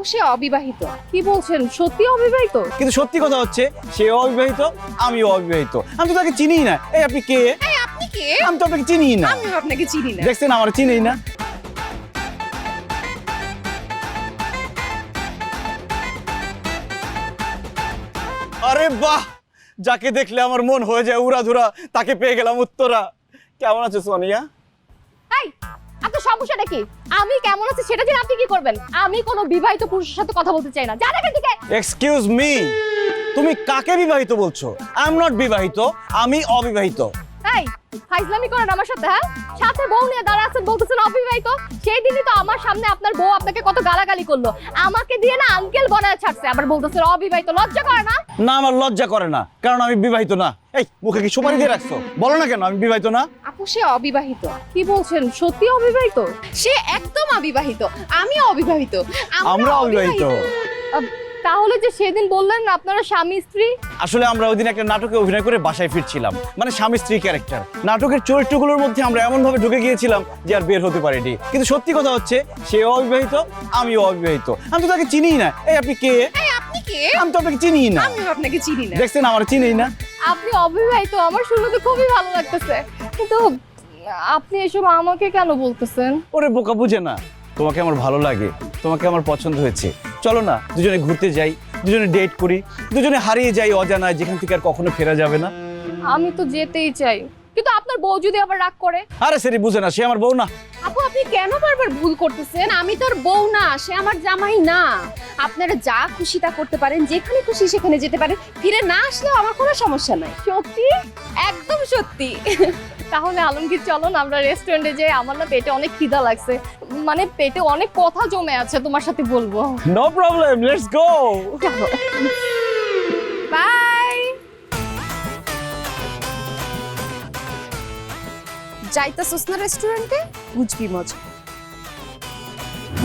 সে অবিবাহিত। কি বলছেন, সত্যি অবিবাহিত? কিন্তু সত্যি কথা হচ্ছে সেও অবিবাহিত, আমিও অবিবাহিত। আমি তো তাকে চিনিই না। এই আপনি কে? এই আপনি কে? আমি তো আপনাকে চিনিই না। আমি আপনাকে চিনি না। দেখছেন আমার চিনিই না। আরে বাহ, যাকে দেখলে আমার মন হয়ে যায় উড়াধুরা, তাকে পেয়ে গেলাম উত্তরা। কেমন আছো সোনিয়া? এই আপনার সমস্যাটা কি? আমি কেমন আছি সেটা জেনে আপনি কি করবেন? আমি কোনো বিবাহিত পুরুষের সাথে কথা বলতে চাই না। জান এখান থেকে। এক্সকিউজ মি, তুমি কাকে বিবাহিত বলছো? আই এম নট বিবাহিত, আমি অবিবাহিত। এই ফাইজলামি করেন আমার সাথে? হ্যাঁ, সাথে বউ নিয়ে দাঁড়া আছেন, বলতেছেন অবিবাহিত। সেই দিনই তো আমার সামনে আপনার বউ আপনাকে কত গালাগালি করলো, আমাকে দিয়ে না আঙ্কেল বানায় ছাড়ছে, আবার বলতেছেন অবিবাহিত। লজ্জা করে না? না, আমার লজ্জা করে না, কারণ আমি বিবাহিত না। এই মুখে কি সুপারি দিয়ে রাখছো? বলো না কেন আমি বিবাহিত না। আপু সে অবিবাহিত। কি বলছেন, সত্যি অবিবাহিত? সে একদম অবিবাহিত, আমিও অবিবাহিত, আমরা অবিবাহিত। তাহলে যে সেদিন বললেন না আপনারা স্বামী স্ত্রী? আসলে আমরা ওই দিন একটা নাটকে অভিনয় করে বাসায় ফিরছিলাম, মানে স্বামী স্ত্রী ক্যারেক্টার। নাটকের চরিত্রগুলোর মধ্যে আমরা এমন ভাবে ঢুকে গিয়েছিলাম যে আর বের হতে পারিনি। কিন্তু সত্যি কথা হচ্ছে সেও অবিবাহিত, আমিও অবিবাহিত। আমি তো তাকে চিনিই না। এই আপনি কে? এই আপনি কে? আমি তো আপনাকে চিনিই না। আমি আপনাকে চিনি না। দেখছেন আমার চিনিই না। আপনি অবিবাহিত, আমার শুনতে খুবই ভালো লাগতেছে, কিন্তু আপনি এসব আমাকে কেন বলতেছেন? ওরে বোকা, বুঝে না। তোমাকে আমার ভালো লাগে, তোমাকে আমার পছন্দ হয়েছে। চলো না দুজনে ঘুরতে যাই, দুজনে ডেট করি, দুজনে হারিয়ে যাই অজানায়, যেখান থেকে আর কখনো ফেরা যাবে না। আমি তো যেতেই চাই, কিন্তু আপনার বউ যদি আবার রাগ করে? আরে সেরি বুঝে না, সে আমার বউ না। আপু আপনি কেন বারবার ভুল করতেছেন? আমি তোর বউ না, সে আমার জামাই না। আপনারা যা খুশি তা করতে পারেন, যেখানে খুশি সেখানে যেতে পারেন, ফিরে না আসলেও আমার কোনো সমস্যা নাই। সত্যি? একদম সত্যি। তাহলে আলমগীর চলুন আমরা রেস্টুরেন্টে যাই, আমার না পেটে অনেক খিদা লাগছে, মানে পেটে অনেক কথা জমে আছে, তোমার সাথে বলবো। No problem, let's go. Bye. যাইতাছস না রেস্টুরেন্টে? বুঝবি মজা।